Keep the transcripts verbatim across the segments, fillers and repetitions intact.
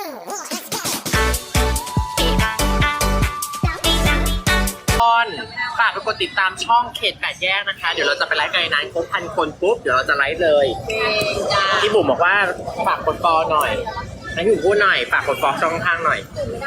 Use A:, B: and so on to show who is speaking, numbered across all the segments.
A: ฝากไปกดติดตามช่องเขตแปดแยกนะคะเดี๋ยวเราจะไปไลฟ์กันในนั้นครบพันคนปุ๊บเดี๋ยวเราจะไลฟ์เลยพี่บุ๋มบอกว่าฝากกดฟอลหน่อยให้พี่บุ๋มพูดหน่อยฝากกดฟอลช่องข้างหน่อย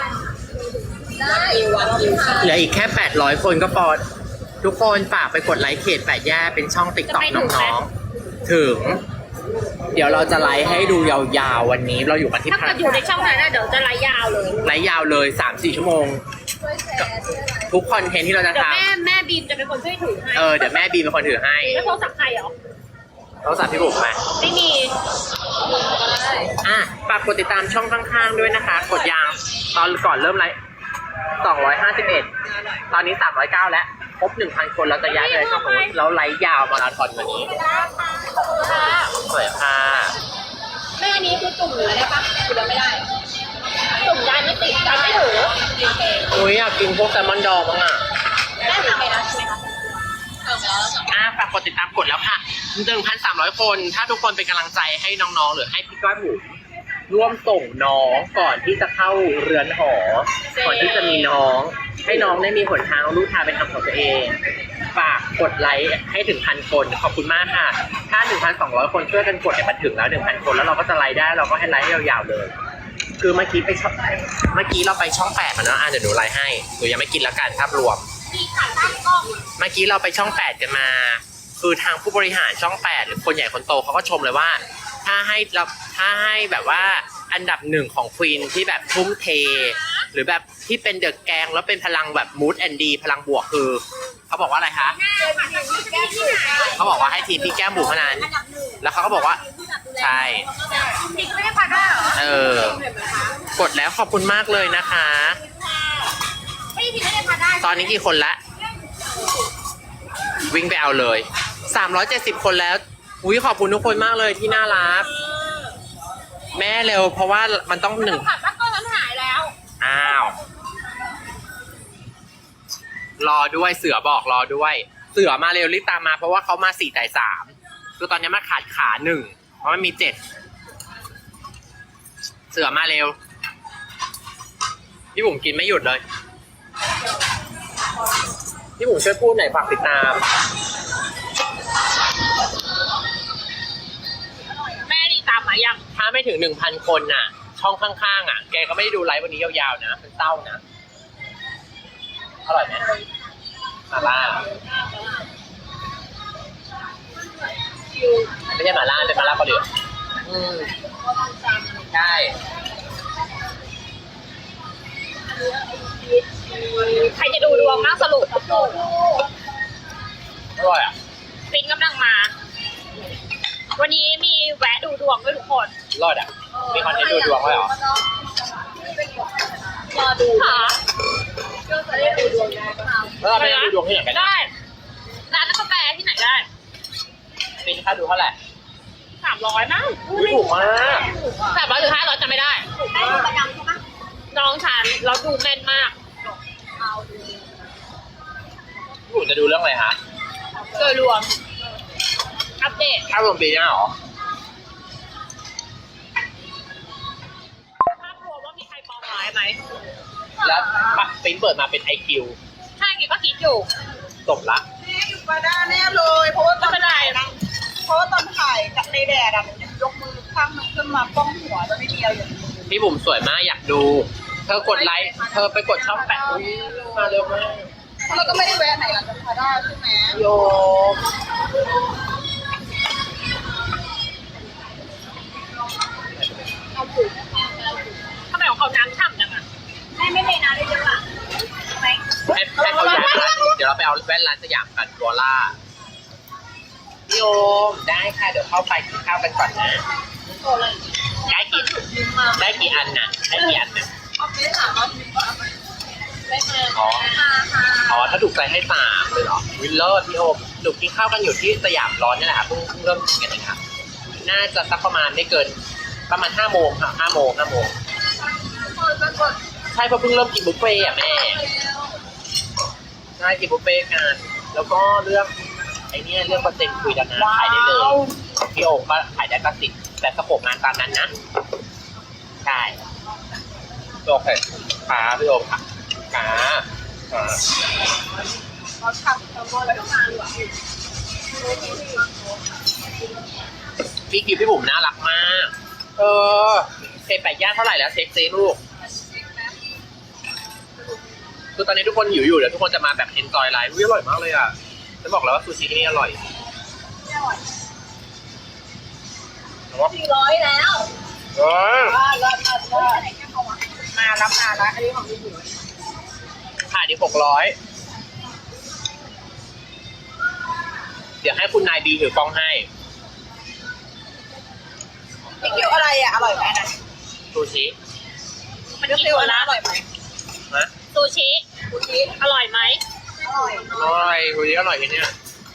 A: เหลืออีกแค่แปดร้อยคนก็พอทุกคนฝากไปกดไลค์เขตแปดแยกเป็นช่องติ๊กต็อกน้องๆถึงเดี๋ยวเราจะไลฟ์ให้ดูยาวๆวันนี้เราอยู่กันที่
B: ถ้าเกิดอยู่ในช่องนั้นเดี๋ยวจะไลฟ์ยาวเลย
A: ไลฟ์ยาวเลย สามสี่ ชั่วโมงทุกคอนเทนต์ที่เราจะทำ
B: เดี๋ยวแม่แม่บีมจะเป็นคนช่วยถือให้
A: เออเดี๋ยวแม่บีมเป็นคนถือให้
B: แล้วโทรศัพท์ใครเหรอ
A: โทรศัพท์พี่บุ๋มไหม
B: ไม่มี
A: อ่ะฝากกดติดตามช่องข้างๆด้วยนะคะกดยางตอนก่อนเริ่มไลฟ์สองร้อยห้าสิบเอ็ดตอนนี้สามร้อยเก้าแล้วครบ หนึ่งพัน คนเราจะย้ายไปช่องนู้นแล้วไลฟ์ยาวมาราธอนวันนี้สวยค่ะ
B: แม่นี้คือจุ่มเหลือได้ปะจุ่มไม่ได้จุ่มได้ไม่ติดได้ไม่ถือ
A: อุ้ยอยากกินพวกแซลมอนดองมั้งอ่ะ
B: ได้ทำไปแล้วใช่ไหมคะ
A: อ่ะฝากกดติดตามกดแล้วค่ะ หนึ่งพันสามร้อย คนถ้าทุกคนเป็นกำลังใจให้น้องๆหรือให้พี่ก้อยบุ๋มร่วมส่งน้องก่อนที่จะเข้าเรือนหอก่อนที่จะมีน้องให้น้องได้มีหนทางรู้ทางเป็นทางของตัวเองฝากกดไลค์ให้ถึงพันคนขอบคุณมากค่ะถ้า หนึ่งพันสองร้อย คนช่วยกันกดเนี่ยมันถึงแล้ว หนึ่งพัน คนแล้วเราก็จะไลค์ได้เราก็ให้ไลค์ยาวๆเลยคือเมื่อกี้ไปช่องเมื่อกี้เราไปช่องแปดมาแล้วอ่ะเดี๋ยวหนูไลค์ให้หนูยังไม่กินแล้วกันภาพรวมเมื่อกี้เราไปช่องแปดกันมาคือทางผู้บริหารช่องแปดหรือคนใหญ่คนโตเขาก็ชมเลยว่าถ้าให้เราถ้าให้แบบว่าอันดับหนึ่งของควีนที่แบบทุ่มเทหรือแบบที่เป็นเดอะแกงแล้วเป็นพลังแบบมูดแอนดีพลังบวกคือเขาบอกว่าอะไรคะเขาบอกว่าให้ทีมพี่แก้มบุ๋มเท่านั้นแล้วเขาก็บอกว่าใช่เออกดแล้วขอบคุณมากเลยนะคะตอนนี้กี่คนละวิ่งไปเอาเลยสามร้อยเจ็ดสิบคนแล้วอุ้ยขอบคุณทุกคนมากเลยที่น่ารักแม่เร็วเพราะว่ามันต้องหนึ่ง
B: ผัดบ้านก็นั้นหายแล้ว
A: อ้าวรอด้วยเสือบอกรอด้วยเสือมาเร็วรีบตามมาเพราะว่าเขามาสี่แต่สามคือตอนนี้มาขาดขาหนึ่งเพราะมันมีเจ็ดเสือมาเร็วพี่บุ๋มกินไม่หยุดเลยพี่บุ๋มช่วยพูดหน่อยฝากติดตาม
B: แม่ดีตามมายัง
A: ถ้าไม่ถึงหนึ่งพันคนน่ะช่องข้างๆอ่ะแกก็ไม่ได้ดูไลฟ์วันนี้ยาวๆนะเป็นเต้านะอร่อยไหมมาล่าไม่ใช่มาล่าเป็นมาล่าเกาหลีอืมใช่
B: ใครจะดูดวงมากสรุป
A: อร่อยอ่ะ
B: ฟินกำลังมาวันนี้มีแวะดูดวงด้วยทุกคน
A: รอดอ่ะมีคอนเทนต์ดูดวงไว้เหรอ
B: รอดูค่ะ
A: ก็จะได้ดูดวงได้แล้วเราไปดูดวงที่ไหนกัน
B: ได้ร้านนักกาแฟที่ไหนได้
A: ปีนค่าดูเท่าไหร่
B: สามร้อยมั้ง
A: ถูกมาก
B: สามร้อยหรือห้าร้อยจำไม่ได้ได้ดูประจำใช่ไหมน้องฉันเราดูแม่นมาก
A: พี่บุ๋มจะดูเรื่องอะไรคะ
B: โดยรวมอัปเดต
A: ถ้ารวมปีหน้าหรอ
B: ภาพรวมว่ามีใครปองร้ายไหม
A: แล้วปิ๊งเปิดมาเป็น ไอ คิว
B: ใช่กิ๊กก็คิดอยู่
A: จบละ
C: นี่อยู่มาได้แน่เลยเพราะว่าตอน
B: ถ่าย
C: เพราะว่าตอนถ่ายกับในแดดอะยกมือข้างนึงขึ้นมาป้องหัวจะไม่มีอะไรอย่างนี้
A: พี่บุ๋มสวยมากอยากดูเธอกดไลค์เธอไปกดช่องแปดมาเร็วมาก
C: เราก็ไม่ได้แวะไหนหลังจากพาด้าใช่ไหม
A: โย
B: ทำไมของเขาน้ำฉ่ำจังอ่ะแม่ไม่เทน้ำได้เยอะอ่ะใช่ไหม
A: ให้ให้เขาย้ายร้านเดี๋ยวเราไปเอาแว่นร้านสยามกันวอล่าโยมได้ค่ะเดี๋ยวเข้าไปกินข้าวกันก่อนนะได้กี่ได้กี่อันน่ะได้กี่อันน่ะอ๋ออ๋อถ้าถูกใจให้สามเลยเหรอวิลเลอร์พี่โอมหนูกินข้าวกันอยู่ที่สยามร้อนนี่แหละค่ะเพิ่งเริ่มกินกันเองค่ะน่าจะสักประมาณไม่เกินประมาณห้าโมงค่ะห้าโมงห้าโมงใช่เพราะเพิ่งเริ่มกินบุฟเฟ่ต์อ่ะแม่ใช่กินบุฟเฟ่ต์กันแล้วก็เรื่องไอ้นี่เรื่องเปอร์เซ็นต์คุยกันนะขายได้เลยพี่โอมก็ขายได้ก็สิบแต่สโคปงานตามนั้นนะใช่โอเคขาพี่โอมค่ะขาขา
C: เราทำเราบอลแล้วมาดีกว่า
A: พี่กิฟพี่บุ๋มน่ารักมาก เออเศษแปดย่างเท่าไหร่แล้วเซ็กซี่ลูกคือตอนนี้ทุกคนหิวอยู่เดี๋ยวทุกคนจะมาแบบเอนจอยไลฟ์อร่อยมากเลยอ่ะจะบอกแล้วว่าซูชิที่นี่อร่อย
C: สี่ร้อยแล้ว
A: เออ
C: ว่าเลิศเลิศเลิศมารับมาแล้วอันนี้ของพี่บุ๋ม
A: ขายดีหกร้อยเดี๋ยวให้คุณนายบีถือกล้องให้
C: พี่เกี๊ยวอะไรอ่ะอร่อยไหมนะ
A: ซูชิ
B: มัน
C: เกี๊ยว
B: กิน
C: เกี๊ยว
B: หมด
C: นะ
B: ละ
C: อร่อยไหม
A: นะ
B: ซูชิ
C: คุณพีท
B: อร่อยไหม
C: อร่อย
A: อร่อยซูชิอร่อยที่เนี่ย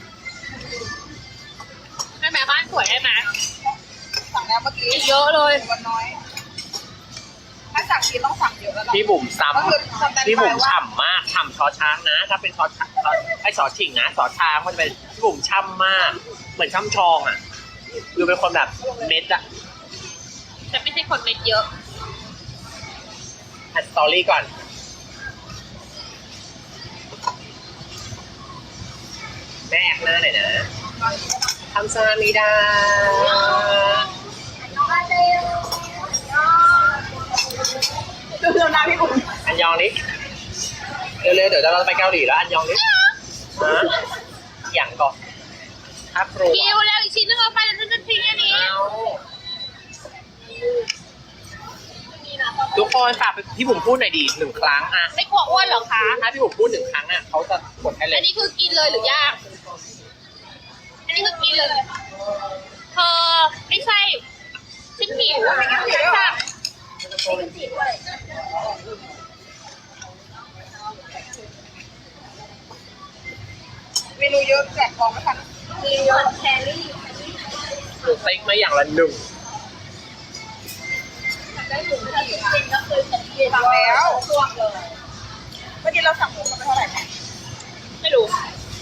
B: ให้แม่บ้านสวยได้ไหม
C: สั่งแล้วเมื่อกี้
B: เยอะเลย
C: วันน้อย ถ้าสั่งทีต้องสั่งเยอะแล้ว
A: พี่บุ๋มซ้
C: ก็คือสแตน
A: ำพี่
C: บา
A: บุ๋
C: ย
A: ม
C: ว่า
A: ฉ่ำมากฉ่ำชอช้างนะ ถ้าเป็นชอช้างไอ้ชอชิงนะชอช้างมันจะเป็นพี่บุ๋มช่ำมาก เหมือนช่ำชองอ่ะคือเป็นคนแบบเม็ดอะ
B: ฉันไม่ใช่คนเม็ดเยอะ
A: อัดสตอรี่ก่อนแม่แอกหน้าหน่อยนะทำซามิดา
C: ดูเรื่องน้ำพี่บุ๋ม
A: อันยองนิเร็วๆเดี๋ยวเราจะไปเกาหลีแล้วอันยองนิฮะอย่างก่อนครับครู
B: กิวแล้วอีกชิ้นนึงเอาไปแล้วฉันจะทิ้งอันนี้
A: เอาทุกคนฝากพี่บุ๋มพูดหน่อยดีหนึ่งครั้งอะ
B: ไม่กลัวอ้วนเหรอคะ
A: ถ้าพี่บุ๋มพูดหนึ่งครั้งอะเขาจะกดให้เล
B: อั
A: ย
B: นนี้คือกินเลยหรือย่างอันนี้คือกินเลยเธอไม่ใช่ฉันหิวฉันสั่ง
C: เมนูเยอะแจกของไม่ทันมีเยอะแครี่
A: หรือติ๊กมาอย่างละหนึ่ง
C: ได้ถึงถ้าถึงเป็นก็คือสั่งแล้วช่วงเลยเมื่อกี้เราสั่งหมูเขาไปเท่าไหร่นะ
B: ไม่รู้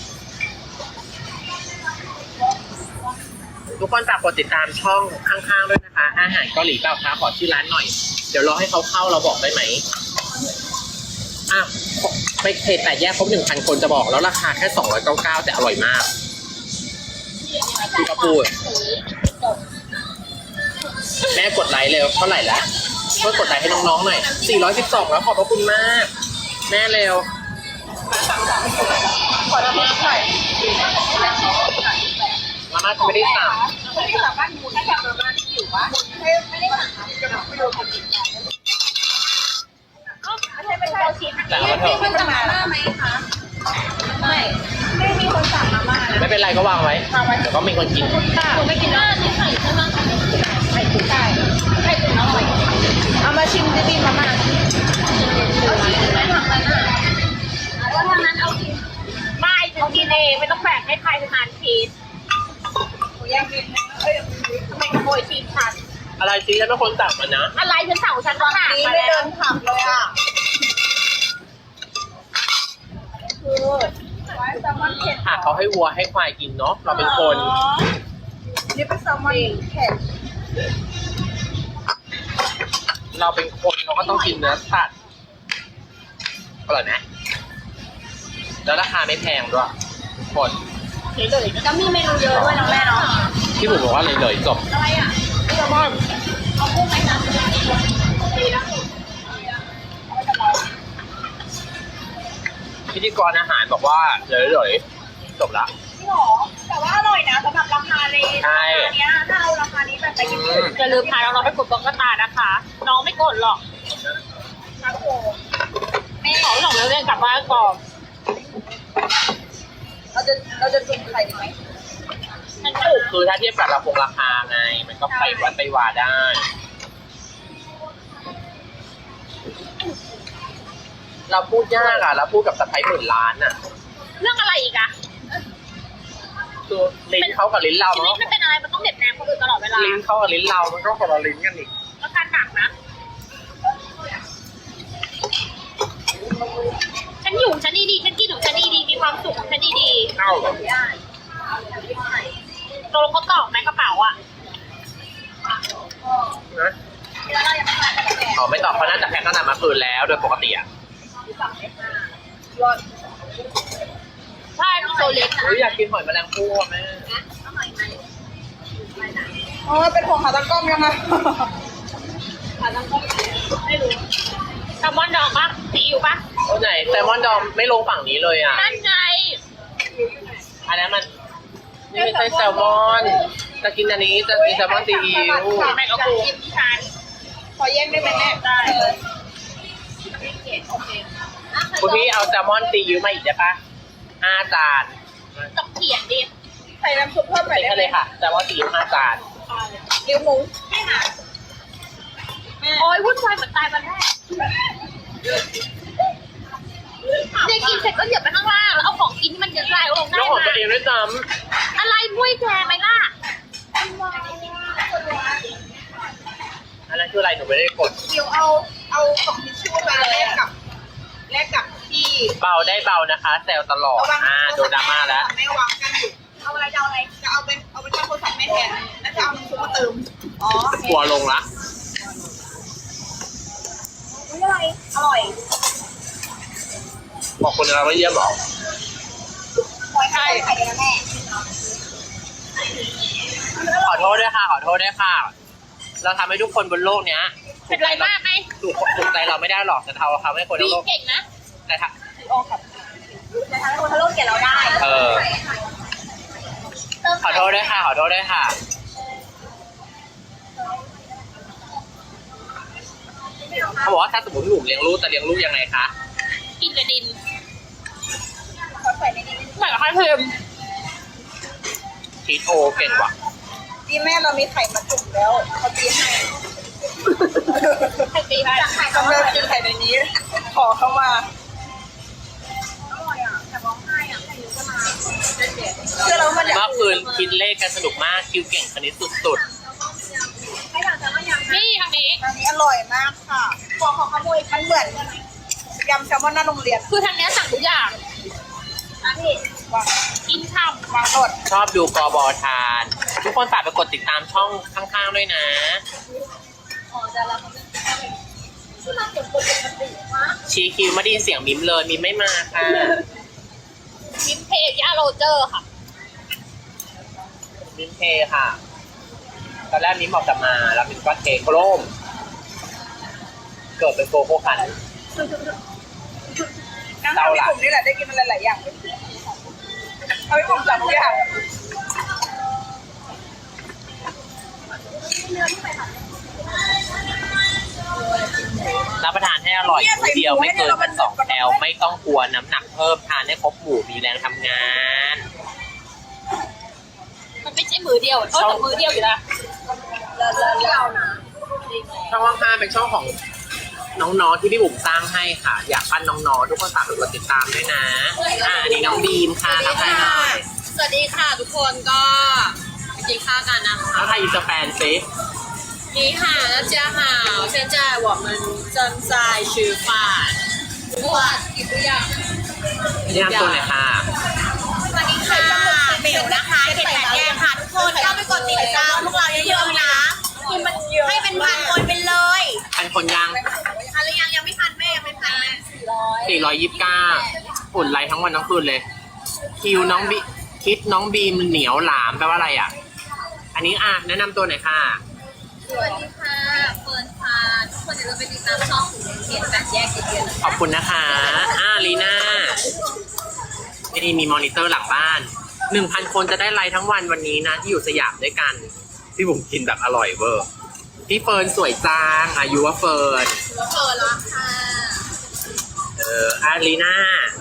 A: ทุกคนฝากกดติดตามช่องข้างๆด้วยนะคะ อาหารเกาหลีเปล่าคะขอชื่อร้านหน่อย เดี๋ยวรอให้เขาเข้าเราบอกได้ไหมอ่ะไปเพจแต่แยกครบหนึ่งพันคนจะบอกแล้วราคาแค่สองร้อยเก้าสิบเก้าแต่อร่อยมากพี่ก็พูดแม่กดไลค์เร็วเท่าไหร่ละช่วยกดไลค์ให้น้องๆหน่อยสี่ร้อยสิบสองแล้วขอบพระคุณมาก แม่เร็ว
C: ขอน้ำมันหน่อย
A: มาม่าจะไม่ได้สั่ง
C: ไม่ได้สั่งบ้านหมูถ้าสั่งมาม่าที่อยู่บ้านไม่ไม่ได้สั่งจะบอกไม่รู้คนกินไม่ใช่ไม่ใช่เราคิด
A: แต่ว่าเธอ
C: คนสั่งมาม่าไหมคะไม่ไม่มีคนสั่งมาม่านะ
A: ไม่เป็นไรก็วางไว้เดี๋ยวก็มีคนกิน
B: คุณไม่กินแล้วนี่ไข่ใช่ไหม
C: ไข่ตุ๋นไก่ไข่ตุ๋นอร่อยเอามาชิมดิบินมาม่าเอาชิมไม่ทำมันอ่ะแล้วทางนั้นเอาชิม
B: ไม่ฉันกินเองไม่ต้องแบ่งให้ใครทานชีส
C: หมูย่างกินเอ้ย
B: ไม่ขโมยชีสฉัน
A: อะไรซีฉันเป็นคนสั่งมันนะ
B: อะไรฉันสั่งของฉันก็หนัก
C: นี้
B: มา
C: ไม่
B: แล้
C: เดิ
B: วน
C: ผับเลยอ่ะคือไว้แซลมอนเผ็ด
A: ค่ะเขาให้วัวให้ควายกินเนาะเราเป็นคน
C: นี่เป็นแซลมอนเผ็ด
A: เราเป็นคนเราก็ต้องกินเนื้อสัตว์อร่อยไหมแล้วราคาไม่แพงด้วยทุกคน
B: เลยก็มีเมนูเยอะด้วยน้องแม่เนาะ
A: ที่ผมบอกว่าเลยเลยๆจบ
B: อะไรอ่ะ
A: แซลมอน
B: เอากุ้งไหมคะดีนะ
A: พิธีกรอาหารบอกว่าเลยเลยๆจบละ
C: จริงหรอแต่ว่าอร่อยนะสำหรับราคาเลยราคาเนี้ยถ้าเอาราคานี้แบบไปกินที่อื่น
B: อย่าลืมพาน้องๆไปกดบล็อกกระตานะคะ น้องไม่กดหรอก
C: ครับผม
B: แม่ขอส่งแล้วเรียนกลับบ้านก่อน
C: เราจะเราจะจุ่มไข่ดีไหม
B: ฉันถูก
A: คือถ้าเทียบกับราคงราคาไง มันก็ไปวัดไปวาได้ เราพูดยากอะเราพูดกับสะพ้ายหมื่นล้านอะ
B: เรื่องอะไรอีกอะ
A: คือลิ้นเขากับลิ้นเรา
B: ชีวิต
A: เนาะ
B: มันเป็นอะไรมันต้องเด็ดแนมคนอื่นตลอดเวลา
A: ลิ้นเขากับลิ้นเรา มันก็คนละลิ้นกันอีก
B: แล้วการหนักนะ ฉันอยู่ของฉันดีๆฉันกินของฉันดีๆมีความสุขของฉันดี
A: เอ้า
B: ๆตกลงเขาตอบไหมกระเป๋าอะ
A: นะ
C: แล้วเรายังไม่มาแต่
A: อ๋อไม่ตอบเขาน่าจะแพ็คตั้งแต่เมื่อคืนแล้วโดยปกติอ่ะ
B: ใช่โซเล็กนะ
A: อุ๊ยอยากกินหอยแมลงภู่อะแม่
C: อ๋อเป็นห่วงขาตั้งกล้องยังไง
B: แซลมอนดองปะซีอิ๊วปะ
A: โอ้ไหนแซลมอนดองไม่ลงฝั่งนี้เลยอ่ะ
B: นั่นไง
A: อันนั้นมันนี่ไม่ใช่แซลมอนจะกินอันนี้จะกินแซลมอนซีอิ๊ว
B: แม่กับกูฉัน
C: ขอแย่งได้ไหมแม่
B: ได้
A: คุณพี่เอาแซลมอนซีอิ๊วมาอีกได้ปะห้าจาน
B: ต้องเขียนดิ
C: ใส่น้ำซุปเพิ่มหน่อยได้
A: นี่
C: ไหม
A: เลยค่ะแซลมอนซีอิ๊วห้าจาน
C: เลี้ยวหมู
B: โอ้ยวุ่นวายเหมือนตายวันแรกเด็กกินเสร็จก็เหยียบไปข้างล่างแล้วเอาของกินที่มันเยอะลายลงได้
A: แล้วของ
B: มา
A: ตัวเองด้วยซ้
B: อะไรมุ้ยแกไหมล่ะ
A: ำอันนั้นคืออะไรหนูไม่ได้กด
C: เดี๋ยวเอาเอาของทิชชู่มาแลกกับแลกกับที่
A: เบาได้เบานะคะแซลตลอดอ่าโดนดราม่าแล้ว
C: แม่วางกันอยู่เอาอะไรจะเอาอะไรจะเอาเป็นเอาเป็นโทรศัพท์แม่แทนแล้วจะเอาน้ำซุปมาเติมอ๋อ
A: กลัวลงละ
C: ไม่อะไรอร่อย
A: บอกคนเราไม่เยี่ยมหรอก
C: ใช่ไข่แดงแม่
A: ขอโทษด้วยค่ะ ขอโทษด้วยค่ะ เราทำให้ทุกคนบนโลกเนี้ย
B: เป็นไรมากไหม
A: ถูกถูกใจเราไม่ได้หรอกแต่เราทำให้คน
B: ดี
A: ทั้งโลก
B: เก่งนะ
A: แต่ถ้า
C: โอ้ครับจะทำให้คนทั้งโลกเกลียดเราได้
A: เออ ขอโทษด้วยค่ะ ขอโทษด้วยค่ะ เขาบอกว่าถ้าสมมติหนุ่มเลี้ยงลูกจะเลี้ยงลูกยังไงคะ
B: กินกระดิน
C: ขอใส่ในนี้
B: เหมือนกับไข่เค็ม
A: ทีโทเก่งว่ะ
C: ดีแม่เรามีไข่มาจุ่มแล้วเขาตีให้
B: ไข่ตีไข่
C: กำลังกินไข่ในนี้ ขอเข้ามาอร่อยอ่ะแต่ร้องไห้อ่ะไข่เยอะมาเชื่อเรามันอยาก
A: เมื่อคืนคิดเลขกันสนุกมาก คิวเก่งคณิตสุด
C: ให้ทานแต่ว่ายัง
B: นี่ทางนี้
C: อันนี้อร่อยมากค่ะขอขอขโมยมันเหมือนยำแซลมอนหน้าโรงเรียน
B: คือทางเนี้ยสั่งทุกอย่าง
C: นะพี่วาง
B: กินช่
C: วางสด
A: ๆ ชอบดูกอบอทาน ทุกคนฝากไปกดติดตามช่องข้างๆด้วยนะ
C: อ๋อแต่ละเขาเป็นที่มาเก็บปกติมาก
A: ชีคิวไม่ได้ยินเสียงมิมเลยมิมไม่มาค่ะ
B: ำมิมเพจยาโรเจอร์ค่ะ
A: มิมเทค่ะ ตอนแรกมิมบอกจะมา แล้วมิมก็เทโครม เกิดเป็นโกโก้คัน
C: การทำให้กลุ่มนี่แหละได้กินมันหลายๆอย่างเอาไปกลุ่มจับทุกอย่าง
A: รับประทานให้อร่อยมื้อเดียวไม่เกินพันสองแคลไม่ต้องกลัวน้ำหนักเพิ่มทานให้ครบหมู่มีแรงทำงาน
B: มันไม่ใช่มือเดียวเออแต่มือเดียวอยู่นะ
C: เรานะ
A: ช่องว่างห้าเป็นช่องของน้องๆที่พี่บุ๋มสร้างให้ค่ะ อยากปั้นน้องๆทุกคนฝากกดติดตามด้วยนะอ่าอันนี้น้องบีมค่ะทักทายหน่อย
B: สวัสดีค่ะทุกคนก็ไปกินข้าวกันนะคะ
A: ทักทายอินสแปนซิ
B: 你好，大家好，现在我们正在吃饭。哇，你不要。
A: นี่ทำตัวหน่อยค่ะ
B: สวัสดีค่ะเบลนะคะเขตแปดแยกค่ะทุกคนเข้าไปกดติดตามพวกเราเยอะๆนะให้เป็นพันคนไปเลย
A: พันคนยัง
B: พันหรือยังยังไม่พันแม่ยังไม่พันแม่
A: สี่ร้อยยี่สิบเก้าอุ่นไรทั้งวันทั้งคืนเลย คิวน้องบีคิดน้องบีมเหนียวหลามแปลว่าอะไรอ่ะ อันนี้อ่ะแนะนำตัวหน่อยค่ะ
B: สวัสดีค่ะเฟิร์นค่ะทุกคนเดี๋ยวเราไปติดตามช่องของเขตแปดแยกเยอะๆ
A: ขอบคุณนะคะอ่าลีน่านี่มีมอนิเตอร์หลังบ้านหนึ่งพันคนจะได้ไลฟ์ทั้งวันวันนี้นะ ที่อยู่สยามด้วยกัน พี่บุ๋มกินแบบอร่อยเวอร์ พี่เฟิร์นสวยจางอายุว่าเฟิร์น
B: เฟิร์นละค่ะ
A: เอออาลีน่า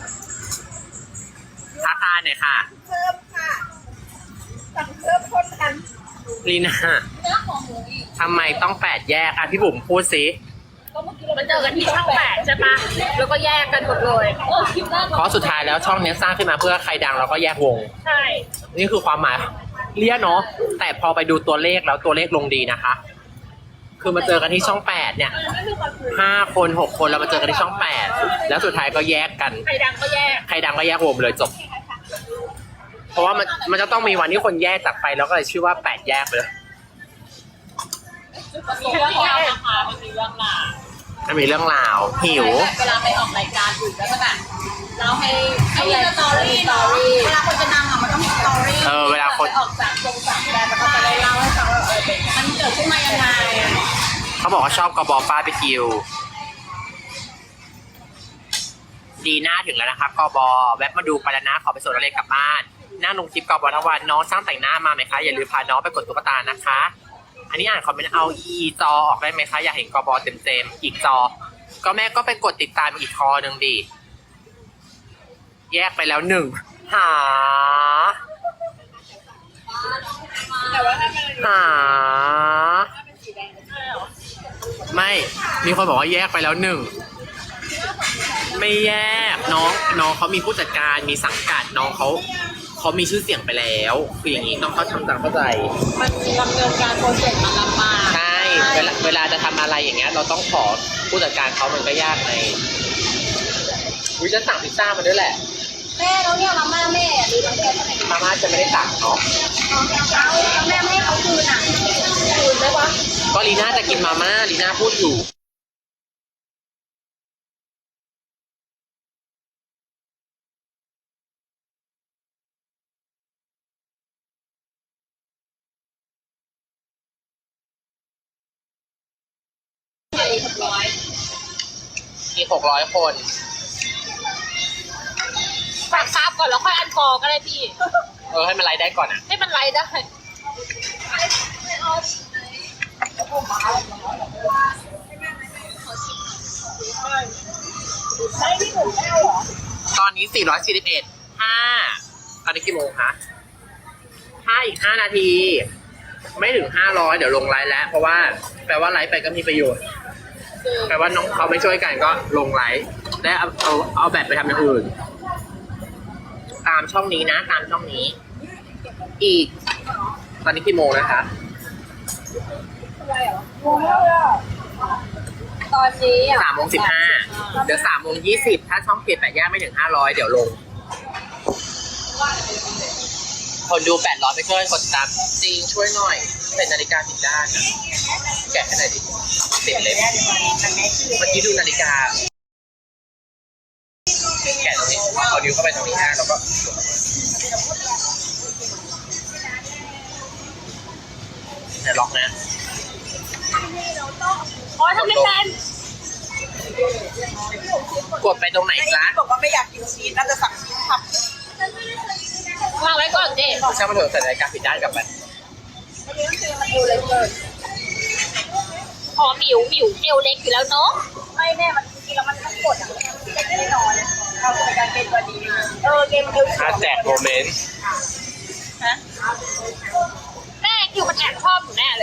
A: ทักทายหน่อยค่ะ
C: เพิ่มค่ะสั่งเพิ่มคนกัน
A: ลีน่า
B: เนื้อของหมูอีก
A: ทำไมต้องแปดแยกอ่ะพี่บุ๋มพูดสิ
B: มันเจอกันที่ช่องแปดใช่ปะแล้วก็แยกกันหมดเลยเออคิดว่า
A: เพราะสุดท้ายแล้วช่องเนี้ยสร้างขึ้นมาเพื่อใครดังเราก็แยกวง
B: ใช่
A: นี่คือความหมายเรียกเนาะแต่พอไปดูตัวเลขแล้วตัวเลขลงดีนะคะ คือมาเจอกันที่ช่องแปดเนี่ยห้าคนหกคนแล้วมาเจอกันที่ช่องแปดแล้วสุดท้ายก็แยกกัน
B: ใครดังก็แยก
A: ใครดังก็แยกวงเลยจบ เพราะว่ามันมันจะต้องมีวันที่คนแยกจากไปแล้วก็เลยชื่อว่าแปดแยกไปเลย
B: มีเรื่องราวนะคะมันมีเรื่องราว
A: มันมีเรื่องราวหิว
C: เวลาไปออกรายการอื่นแล้วก็แบบเราให้ให้มีสตอรี่เนาะเวลาคนจะดังอ่ะมันต้องมีสตอรี่
A: เออเวลาคน
C: ออกจากตรงจากแดนมันก็จะได้เล่าให้ฟังว่าเออเป็นมันเกิดขึ้นมายังไง
A: เขาบอกว่าชอบกระบอกบาร์บีคิวดีหน้าถึงแล้วนะครับกบแวะมาดูไปแล้วนะขอไปส่งนักเรียนกลับบ้านนั่งลงคลิปกบทั้งวันน้องช่างแต่งหน้ามาไหมคะอย่าลืมพาน้องไปกดตุ๊กตานะคะ อันนี้อ่านคอมเมนต์เอาอีจอออกได้ไหมคะอยากเห็นกบเต็มๆอีกจอก็แม่ก็ไปกดติดตามอีกคอหนึ่งดิแยกไปแล้วหนึ่งหา
C: แต่ว่าถ้าเป็น
A: หาไม่มีคนบอกว่าแยกไปแล้วหนึ่งไม่แยกน้องน้องเขามีผู้จัดการมีสังกัดน้องเขาเขามีชื่อเสียงไปแล้วคืออย่างนี้ต้องเขาทำตามเข้าใจ
C: มันดำเนินการโปรเจกต์มันลำบาก
A: ใช่เวลาเวลาจะทำอะไรอย่างเงี้ยเราต้องขอผู้จัดการเขามันก็ยากในวิจะสั่งพิซซ่ามาด้วยแหละ
C: แม่เราเนี่ยมาม่าแม่หรือเราแม่ไหน
A: มาม่าจะไม่ได้สั่งเนาะ
C: เอาแม่ไม่ให้เขาคืนอ่ะคืนได้ปะ
A: ก็ลีน่าจะกินมาม่าลีน่าพูดอยู่มีหกร้อยคน
B: ฝากซับก่อนแล้วค่อยอันฟอร์ก็ได้พี่
A: เออให้มันไลฟ์ได้ก่อนอ่ะ
B: ให้มันไลฟ์ได้
A: ตอนนี้สี่ร้อยสี่สิบเอ็ด ห้าตอนนี้กี่โมงคะห้าอีกห้านาที ไม่ถึงห้าร้อยเดี๋ยวลงไลฟ์แล้ว เพราะว่าแปลว่าไลฟ์ไปก็มีประโยชน์ แปลว่าน้องเขาไม่ช่วยกันก็ลงไลฟ์และเอาเอาเอาแบบไปทำอย่างอื่น ตามช่องนี้นะ ตามช่องนี้ อีก ตอนนี้กี่โมงนะคะ
C: ตอนนี้อ่ะ
A: สามโมงสิบห้าเดี๋ยวสามโมงยี่สิบถ้าช่องเปลี่ยนแปดย่างไม่ถึงห้าร้อยเดี๋ยวลง คนดูแปดร้อยไปช่วยกดติดตามจริงช่วยหน่อยเป็นนาฬิกาผิดด้านนะแกะให้หน่อยดิติดเล็บเมื่อกี้ดูนาฬิกาแกะตรงนี้เอานิ้วเข้าไปตรงนี้นะแล้วก็เดี๋ยวล็อกนะ
B: อ๋อทำไม่เป็น
A: กดไปตรงไหนจ๊ะ
C: บอกว่าไม่อยากกินชีสน่าจะสั่งชีสผับ
B: วางไว้ก่อนเจ๊
A: ช่างมาเถอะใส่นาฬิกาผิดด้านกลับไป
C: อันนี้คือมันดูเลยเกิน
B: อ๋อหมิวหมิวเอวเล็กอยู่แล้วเนาะ
C: ไม่แม่มันจริงแล้วมันต้องกดอ่ะมันไม่ได้นอนเอาในการเป็นตัวดีเออเกมเดียว
A: อาแจกโมเมนต์
C: ฮะ
B: แม่คิวมันแอบชอบหนูแน่เลย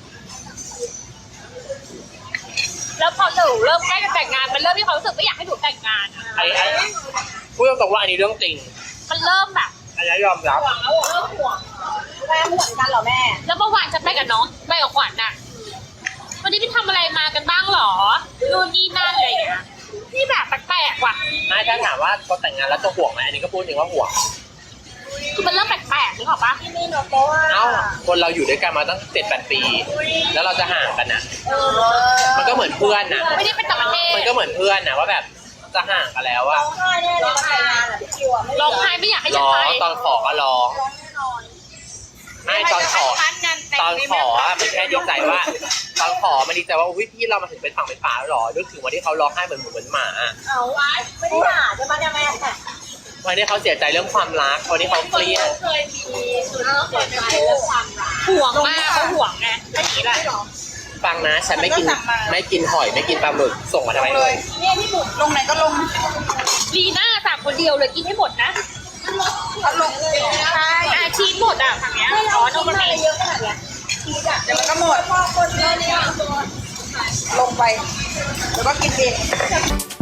B: แล้วพอหนูเริ่มใกล้จะแต่งงานมันเริ่มมีความรู้สึกไม่อยากให้หนูแต่งงานอะ
A: ไอ้ไอ้พูดตรงๆว่าอันนี้เรื่องจริง
B: มันเริ่มแบบ
A: อันนี้ยอมรับ
C: ห่วงแล้วเริ่มห่วงแม่ห่วงกันเหรอแม่
B: แล้วเมื่อวานจะไปกับน้องไปกับขวัญน่ะวันนี้ไปทำอะไรมากันบ้างหรอนู่นนี่นั่นอะไรอย่างเงี้ยนี่แบบแปลกๆว่ะ
A: ไม่ถ้าถามว่าพอแต่งงานแล้วจะห่วงไหมอันนี้ก็พูดจริงว่าห่วง
B: คือมันเริ่มแปลกๆนึกออกปะ
C: ที่นี่เนาะเพราะว่า
A: เอ้าคนเราอยู่ด้วยกันมาตั้งเจ็ดแปดปี แล้วเราจะห่างกันนะ
C: เออ
A: มันก็เหมือนเพื่อนนะ
B: ไม่ได้เป็นต่างประเทศ
A: มันก็เหมือนเพื่อนนะว่าแบบจะห่างกันแล้วอะ
C: ร้องไห้แน่เลยแต่งงานอ่ะพี่คิวอ่ะไม่
B: ร้องไห้ไม่อยากให้ฉั
A: ร้
B: น
A: อ
B: ไป
A: งตอนขอก็ร้อง
C: ร้องแน่นอน
A: ไม่ตอนขอตอนขออะมันแค่ดีใจว่า ตอนขอมันดีใจว่าอุ้ยพี่เรามาถึงเป็นฝั่งเป็นฝาแล้วหรอนึกถึงวันที่เขาร้องไห้เหมือนหมูเหมือนหมาอะ
C: เอาไว้ไม่ได้ด่าใช่ไหมเนี่ยแม่
A: วันที่เขาเสียใจเรื่องความรักวันที่เขาเครียด
C: เคยมีสุดเสียใจและความรัก
B: ห่วงมากเขาห่วงไงแค่นี้แหละ
A: ฟังนะฉันไม่กินไม่กินหอยไม่กินปลาหมึกส่งมาทำไมเลย
C: เนี่ยที่บุกลงไหนก็ลง
B: ลีน่าสั่งคนเดียวเลยกินให้หมดนะ
C: ลงเลยใช่
B: อาชีพหมดอ่ะทางเนี้ยอ๋อโนมันเอง
C: เยอะขนาดเนี้ยชีสอ่ะเดี๋ยวมันก็หมดพอคนเยอะเนี่ยลงไปแล้วก็กินเอง